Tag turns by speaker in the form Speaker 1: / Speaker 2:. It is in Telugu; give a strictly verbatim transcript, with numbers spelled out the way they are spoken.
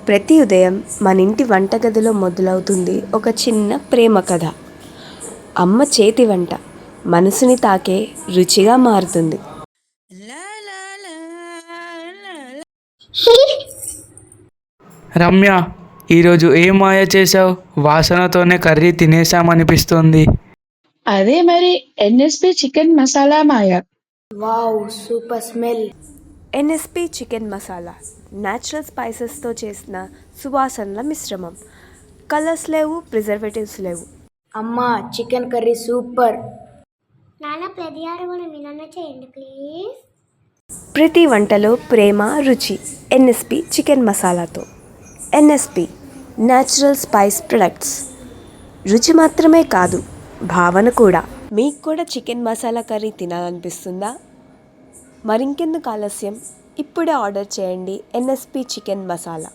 Speaker 1: ప్రతి ఉదయం మన ఇంటి వంటగదిలో మొదలవుతుంది ఒక చిన్న ప్రేమ కథ. అమ్మ చేతి వంట మనసుని తాకే రుచిగా మారుతుంది.
Speaker 2: రమ్య, ఈరోజు ఏం మాయ చేసావు? వాసనతోనే కర్రీ తినేసామనిపిస్తుంది.
Speaker 3: అదే మరి ఎన్ఎస్పి చికెన్ మసాలా మాయ.
Speaker 4: Wow, super smell.
Speaker 1: NSP chicken masala natural స్పైసెస్తో చేసిన సువాసనల మిశ్రమం. కలర్స్ లేవు, ప్రిజర్వేటివ్స్ లేవు.
Speaker 4: అమ్మా, చికెన్ కర్రీ సూపర్.
Speaker 5: నాన్న ప్రతి ఆరు కూడా మీనన్న చేయండి ప్లీజ్.
Speaker 1: ప్రతి వంటలో ప్రేమ, రుచి ఎన్ఎస్పి చికెన్ మసాలాతో. NSP natural spice products. రుచి మాత్రమే కాదు, భావన కూడా. మీకు కూడా చికెన్ మసాలా కర్రీ తినాలనిపిస్తుందా? మరింకెందుకు ఆలస్యం, ఇప్పుడే ఆర్డర్ చేయండి ఎన్ఎస్పి చికెన్ మసాలా.